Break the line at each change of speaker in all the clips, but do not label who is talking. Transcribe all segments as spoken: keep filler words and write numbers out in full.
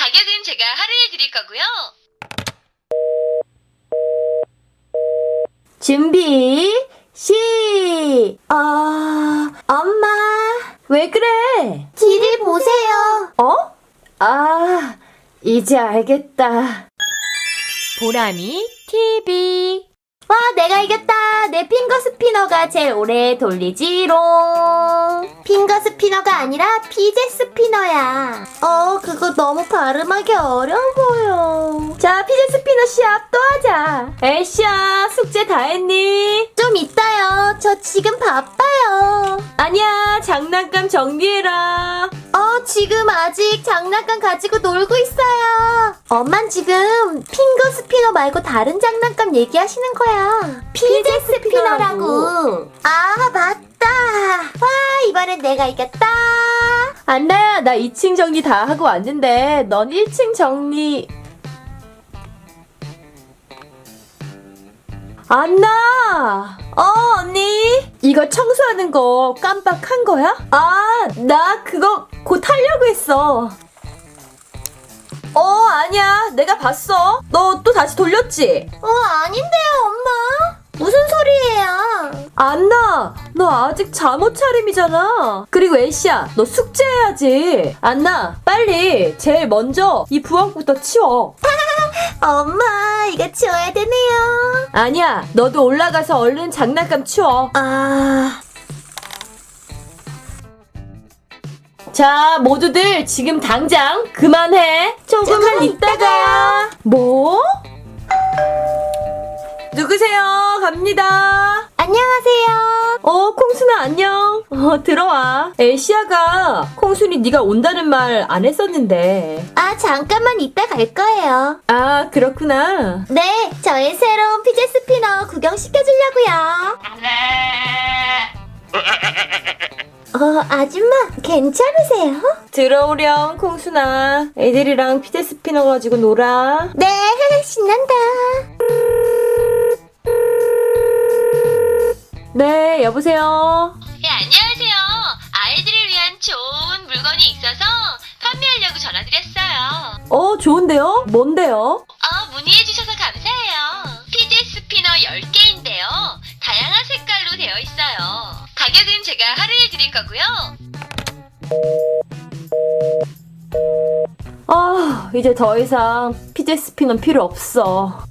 가격은 제가 할인해 드릴 거고요.
준비, 시, 어, 엄마, 왜 그래?
길을 보세요.
어? 아, 이제 알겠다.
보람이 티비.
와, 내가 이겼다. 내 핑거 스피너가 제일 오래 돌리지롱. 핑거 스피너가 아니라 피제 스피너야. 어, 그거 너무 발음하기 어려워 보여.
자, 피제 스피너 시합 또 하자. 애쉬야, 숙제 다 했니?
좀 이따요. 저 지금 바빠요.
아니야, 장난감 정리해라.
어, 지금 아직 장난감 가지고 놀고 있어요. 엄만 지금 핑거 스피너 말고 다른 장난감 얘기하시는 거야. 피제 스피너라고. 아, 맞다. 와, 이번엔 내가 이겼다.
안나야, 나 이 층 정리 다 하고 왔는데 넌 일 층 정리. 안나! 어, 언니? 이거 청소하는 거 깜빡한 거야? 아, 나 그거 곧 하려고 했어. 어, 아니야. 내가 봤어. 너 또 다시 돌렸지?
어, 아닌데요, 엄마. 무슨 소리예요?
안나, 너 아직 잠옷 차림이잖아. 그리고 애쉬야, 너 숙제해야지. 안나, 빨리 제일 먼저 이 부엌부터 치워.
엄마, 이거 치워야 되네요.
아니야, 너도 올라가서 얼른 장난감 치워.
아,
자, 모두들 지금 당장 그만해. 조금만
조금만
있다가. 뭐? 누구세요? 갑니다.
안녕하세요.
어, 콩순아 안녕. 어, 들어와. 애쉬야가 콩순이 네가 온다는 말 안 했었는데.
아, 잠깐만 이따 갈 거예요.
아, 그렇구나.
네, 저의 새로운 피제 스피너 구경시켜주려고요. 어, 아줌마, 괜찮으세요?
들어오렴, 콩순아. 애들이랑 피제 스피너 가지고 놀아.
네, 신난다.
네, 여보세요.
네, 안녕하세요. 아이들을 위한 좋은 물건이 있어서 판매하려고 전화드렸어요.
어, 좋은데요? 뭔데요?
어, 문의해주셔서 감사해요. 피제 스피너 열 개인데요. 다양한 색깔로 되어 있어요. 가격은 제가 할인해 드릴 거고요.
아, 이제 더 이상 피제 스피너는 필요 없어.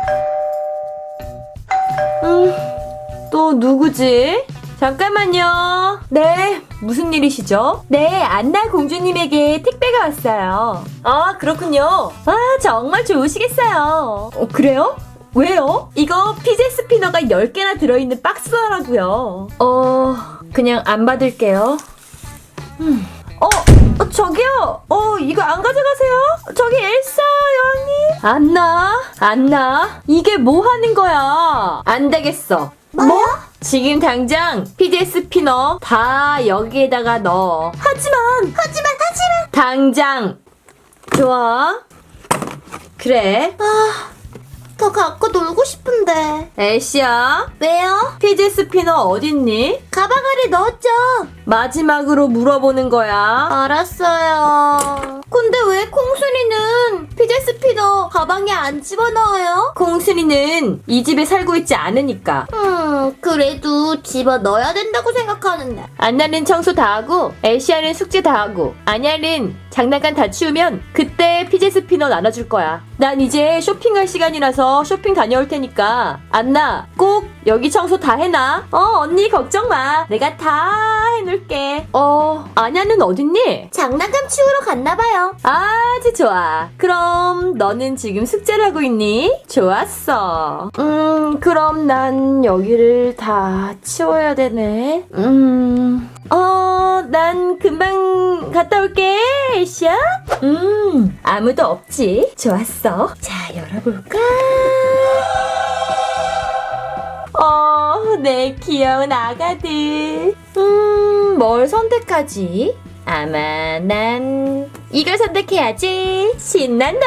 음, 또 누구지? 잠깐만요. 네, 무슨 일이시죠? 네, 안나 공주님에게 택배가 왔어요. 아, 그렇군요. 아, 정말 좋으시겠어요. 어, 그래요? 왜요? 이거 피제 스피너가 열 개나 들어있는 박스더라고요. 어, 그냥 안 받을게요. 음. 어, 어, 저기요. 어, 이거 안 가져가세요? 저기 엘사 여왕님. 안나, 안나. 이게 뭐 하는 거야? 안 되겠어. 뭐? 지금 당장 피제 스피너 다 여기에다가 넣어. 하지만,
하지만, 하지만.
당장. 좋아. 그래.
아, 더 갖고 놀고 싶은데.
애쉬야,
왜요?
피제 스피너 어딨니?
가방 안에 넣었죠?
마지막으로 물어보는 거야.
알았어요. 근데 왜 콩순이는 피제 스피너 가방에 안 집어넣어요?
콩순이는 이 집에 살고 있지 않으니까.
음, 그래도 집어넣어야 된다고 생각하는데.
안나는 청소 다 하고, 애쉬아는 숙제 다 하고, 아냐는 장난감 다 치우면 그때 피제 스피너 나눠줄 거야. 난 이제 쇼핑할 시간이라서 쇼핑 다녀올 테니까 안나 꼭 여기 청소 다 해놔. 어, 언니 걱정 마. 내가 다 해놓을게. 어, 아냐는 어딨니?
장난감 치우러 갔나봐요.
아주 좋아. 그럼 너는 지금 숙제를 하고 있니? 좋았어. 음, 그럼 난 여기를 다 치워야 되네. 음, 어, 난 금방 갔다 올게, 애쉬야. 음, 아무도 없지. 좋았어. 자, 열어볼까? 어, 내 귀여운 아가들. 음, 뭘 선택하지? 아마 난 이걸 선택해야지. 신난다.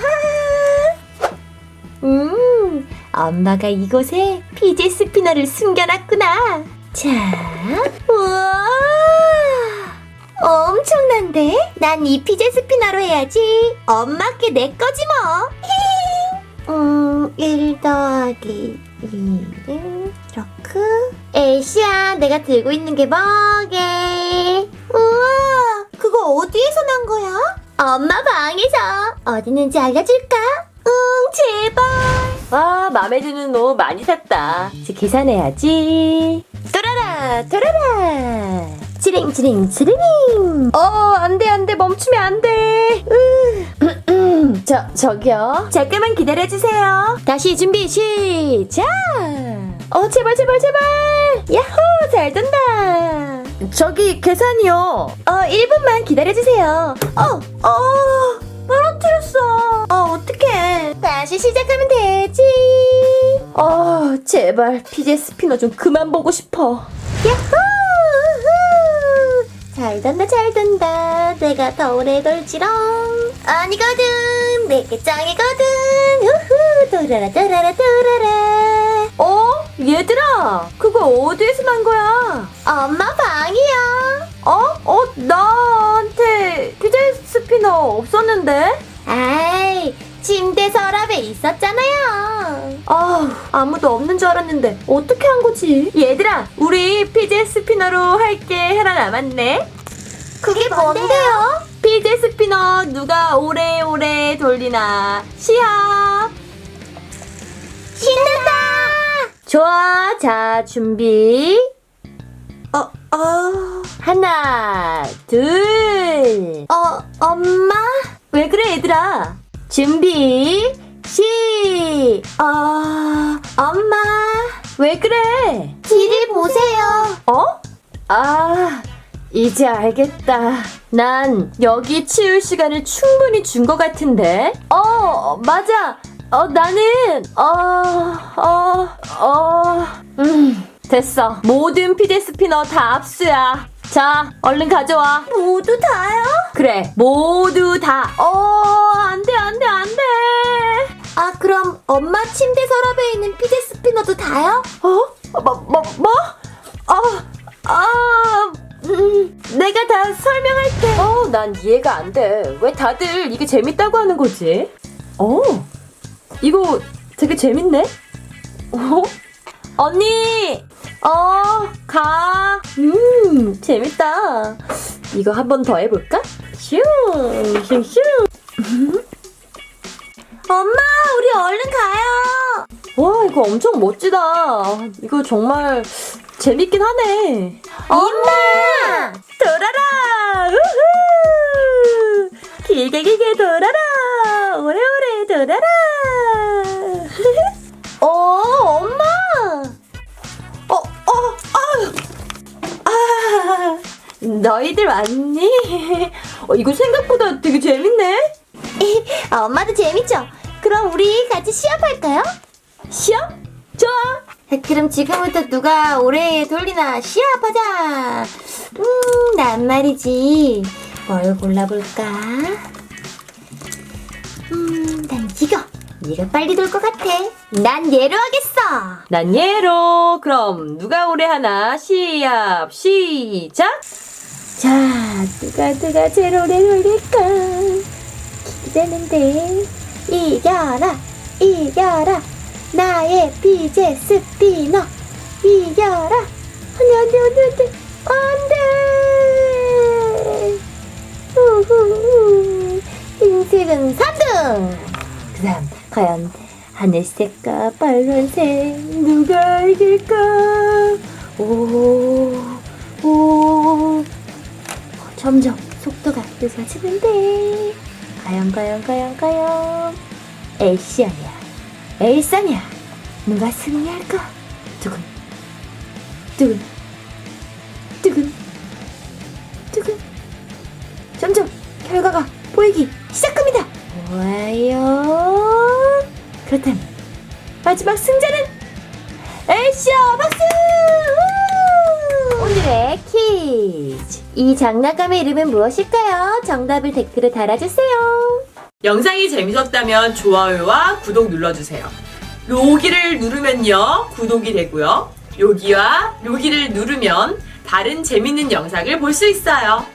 음, 엄마가 이곳에 피제 스피너를 숨겨놨구나. 자, 우와.
엄청난데? 난 이 피제 스피너로 해야지. 엄마께 내 거지 뭐. 음, 일 더하기 이는 이렇게. 에이씨야, 내가 들고 있는 게 뭐게? 우와, 그거 어디에서 난 거야? 엄마 방에서. 어디 있는지 알려줄까? 응, 제발.
와, 마음에 드는 옷 많이 샀다. 이제 계산해야지. 또라라, 또라라.
지링, 지링, 지링.
어, 안 돼, 안 돼. 멈추면 안 돼. 으. 저, 저기요. 잠깐만 기다려주세요. 다시 준비, 시작. 어, 제발, 제발, 제발. 야호, 잘 된다. 저기, 계산이요. 어, 일 분만 기다려주세요. 어, 어, 떨어뜨렸어. 어, 어떡해.
다시 시작하면 되지.
어, 제발, 피제 스피너 좀 그만 보고 싶어.
야호! 우후. 잘 된다, 잘 된다. 내가 더 오래 돌지롱. 아니거든. 내게 짱이거든. 우후. 도라라, 도라라, 도라라.
어? 얘들아, 그거 어디에서 난 거야?
엄마 방이야.
어? 어? 나한테 피제 스피너 없었는데?
아이, 침대 서랍에 있었잖아요.
아, 아무도 없는 줄 알았는데 어떻게 한 거지? 얘들아, 우리 피제 스피너로 할게 하나 남았네.
그게 뭔데요?
피제 스피너 누가 오래오래 돌리나 시합.
신난다.
좋아, 자 준비. 어, 어. 하나, 둘.
어, 엄마?
왜 그래 얘들아? 준비 시. 아, 엄마. 왜 그래?
뒤를 보세요.
어? 아, 이제 알겠다. 난 여기 치울 시간을 충분히 준 것 같은데. 어, 맞아. 어, 나는 어, 어, 어. 음, 됐어. 모든 피제 스피너 다 압수야. 자, 얼른 가져와.
모두 다요?
그래, 모두 다. 어, 안 돼, 안 돼, 안 돼.
아, 그럼 엄마 침대 서랍에 있는 피제 스피너도 다요?
어? 뭐, 뭐, 뭐? 어, 아, 음, 내가 다 설명할게. 어, 난 이해가 안 돼. 왜 다들 이게 재밌다고 하는 거지? 어, 이거 되게 재밌네? 어? 언니! 어, 가. 음, 재밌다. 이거 한 번 더 해볼까? 슝, 슝, 슝.
엄마, 우리 얼른 가요.
와, 이거 엄청 멋지다. 이거 정말 재밌긴 하네.
엄마!
돌아라! 우후! 길게 길게 돌아라! 오래오래 돌아라! 어, 엄마! 어, 어, 아유! 아, 너희들 왔니? 어, 이거 생각보다 되게 재밌네?
엄마도 재밌죠? 그럼 우리 같이 시합할까요?
시험? 좋아!
그럼 지금부터 누가 오래 돌리나 시합하자. 음, 난 말이지. 뭘 골라볼까? 음, 난 이거. 네가 빨리 돌 것 같아. 난 얘로 하겠어.
난 얘로. 그럼 누가 오래 하나? 시합 시작! 자, 누가 누가 제일 오래 돌릴까?
기대되는데. 이겨라, 이겨라. 나의 피제 스피너. 이겨라. 안돼, 안돼, 안돼, 안돼. 안돼. 우후. 흰색은 삼 등.
그 다음, 과연 하늘색과 빨간색 누가 이길까? 오, 오. 점점 속도가 늦어지는데. 과연, 과연, 과연, 과연. 에이씨아냐? 에이사냐? 누가 승리할까? 두근, 두근, 두근, 두근. 점점 결과가 보이기 시작합니다. 좋아요. 그렇다면 마지막 승자는 에이씨아. 박수! 우! 오늘의 퀴즈. 이 장난감의 이름은 무엇일까요? 정답을 댓글에 달아주세요.
영상이 재밌었다면 좋아요와 구독 눌러주세요. 여기를 누르면요, 구독이 되고요. 여기와 여기를 누르면 다른 재밌는 영상을 볼 수 있어요.